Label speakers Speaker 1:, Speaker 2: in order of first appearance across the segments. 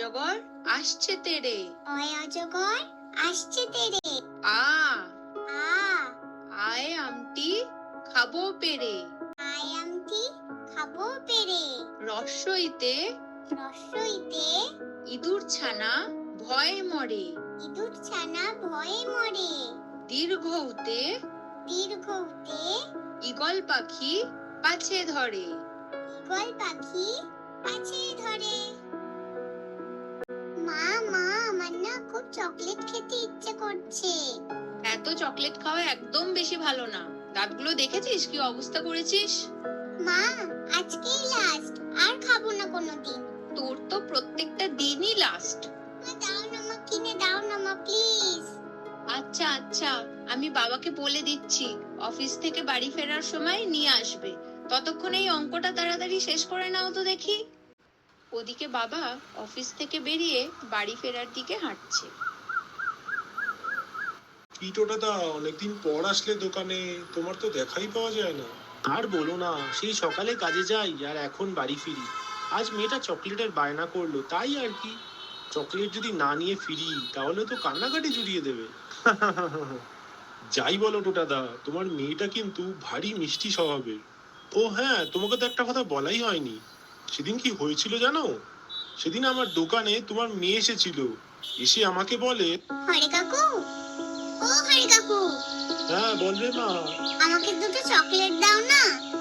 Speaker 1: অজগর আসছে তেরে,
Speaker 2: অয় অজগর আসছে তেরে,
Speaker 1: আ
Speaker 2: আ
Speaker 1: আয় আমটি খাবো পেরে,
Speaker 2: আয় আমটি খাবো পেরে,
Speaker 1: রস্বইতে
Speaker 2: রস্বইতে
Speaker 1: ইঁদুর ছানা ভয়ে মরে,
Speaker 2: ইঁদুর ছানা ভয়ে মরে,
Speaker 1: দীর্ঘউতে
Speaker 2: দীর্ঘউতে
Speaker 1: ঈগল পাখি পাছে ধরে।
Speaker 2: ঈগল পাখি পাছে ধরে। মা মা আমার না খুব চকলেট খেতে ইচ্ছে করছে।
Speaker 1: এত চকলেট খাওয়া একদম বেশি ভালো না। দাঁতগুলো দেখেছিস কি অবস্থা করেছিস?
Speaker 2: মা আজকেই লাস্ট, আর খাবো না কোনোদিন।
Speaker 1: তোর তো প্রত্যেকটা দিনই লাস্ট।
Speaker 2: মা দাও না মা, কিনে দাও না মা প্লিজ।
Speaker 1: আচ্ছা আচ্ছা, আমি বাবাকে বলে দিচ্ছি, অফিস থেকে বাড়ি ফেরার সময় নিয়ে আসবে। ততক্ষণে এই অঙ্কটা তাড়াতাড়ি শেষ করে নাও তো দেখি। ওদিকে বাবা অফিস থেকে বেরিয়ে বাড়ি ফেরার দিকে হাঁটছে।
Speaker 3: কি টোটাদা, অনেকদিন পর আসলে দোকানে, তোমার তো দেখাই পাওয়া যায় না।
Speaker 4: আর বলো না, সেই সকালে কাজে যাই আর এখন বাড়ি ফিরি। আজ মেয়েটা চকলেটের বায়না করলো, তাই আর কি। চকলেট যদি না নিয়ে ফিরি তাহলে তো কান্নাকাটি জুড়িয়ে দেবে।
Speaker 3: যাই বলো টোটাদা, তোমার মেয়েটা কিন্তু ভারী মিষ্টি স্বভাবের। ও হ্যাঁ, তোমাকে তো একটা কথা বলাই হয়নি। সেদিন কি হয়েছিল জানো? সেদিন আমার দোকানে তোমার মেয়ে এসেছিল, এসে আমাকে বলে,
Speaker 2: হরে কাকু, ও হরে কাকু,
Speaker 3: হ্যাঁ বলবে মা।
Speaker 2: আমাকে দুটো চকলেট দাও না।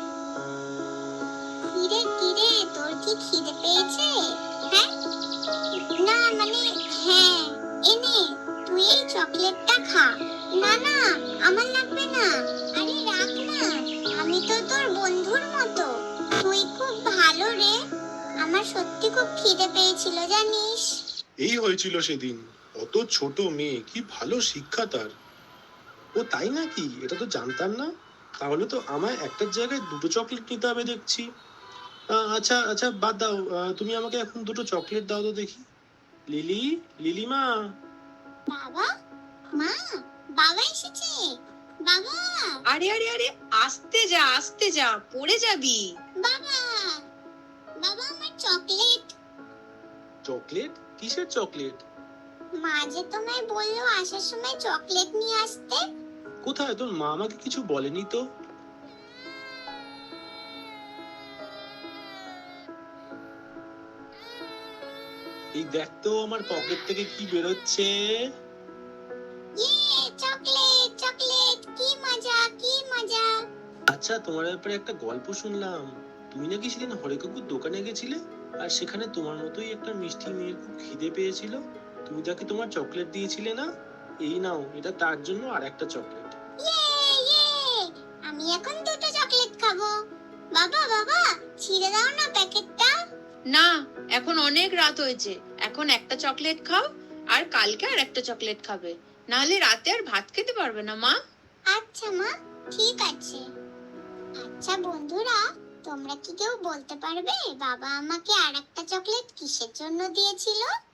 Speaker 2: কিরে কিরে, তোর কি খিদে পেয়েছে? হ্যাঁ না মানে হ্যাঁ, এনে তুই এই চকলেটটা খা। না না আমার লাগবে না, আরে রাখ না, আমি তো তোর বন্ধুর মতো, তুই খুব ভালো রে। আমার সত্যি খুব খিদে পেয়েছিল জানিস।
Speaker 3: এই হয়েছিল সেদিন। অত ছোট মেয়ে, কি ভালো শিক্ষা তার।
Speaker 4: ও তাই নাকি? এটা তো জানতাম না। তাহলে তো আমায় একটার জায়গায় দুটো চকলেট নিতে হবে দেখছি। আচ্ছা আচ্ছা বাদ দাও, তুমি আমাকে এখন দুটো চকলেট দাও তো দেখি। লিলি, লিলিমা।
Speaker 2: বাবা, মা, বাবা এসেছে। বাবা,
Speaker 1: আরে আরে আরে, আস্তে যা, পড়ে যাবি।
Speaker 2: বাবা, বাবা আমার চকলেট।
Speaker 4: চকলেট? কিসের চকলেট?
Speaker 2: মা যে তোমায় বললো আসার সময় চকলেট নিয়ে আসতে।
Speaker 4: কোথায়? তোর মা আমাকে কিছু বলেনি তো। এই দেখ তো আমার পকেট থেকে কি বেরোচ্ছে।
Speaker 2: ইয়ে চকলেট চকলেট, কি মজা কি মজা।
Speaker 4: আচ্ছা, তোমার ব্যাপারে একটা গল্প শুনলাম। তুমি নাকি সেদিন হরে কাকুর দোকানে গেছিলে, আর সেখানে তোমার মতোই একটা মিষ্টি মেয়ের খুব খিদে পেয়েছিল। তুমি তাকে তোমার চকলেট দিয়েছিলে না? এই নাও, এটা তার জন্য আর একটা চকলেট।
Speaker 2: ইয়ে ইয়ে, আমি এখন দুটো চকলেট খাবো। বাবা বাবা, ছিঁড়ে দাও না প্যাকেটটা।
Speaker 1: না, এখন অনেক রাত হয়েছে, এখন একটা চকলেট খাও, আর কালকে আর একটা চকলেট খাবে, নাহলে রাতে আর ভাত খেতে পারবে না মা।
Speaker 2: আচ্ছা মা, ঠিক আছে। আচ্ছা বন্ধুরা, তোমরা কি কেউ বলতে পারবে বাবা আমাকে আর একটা চকলেট কিসের জন্য দিয়েছিল?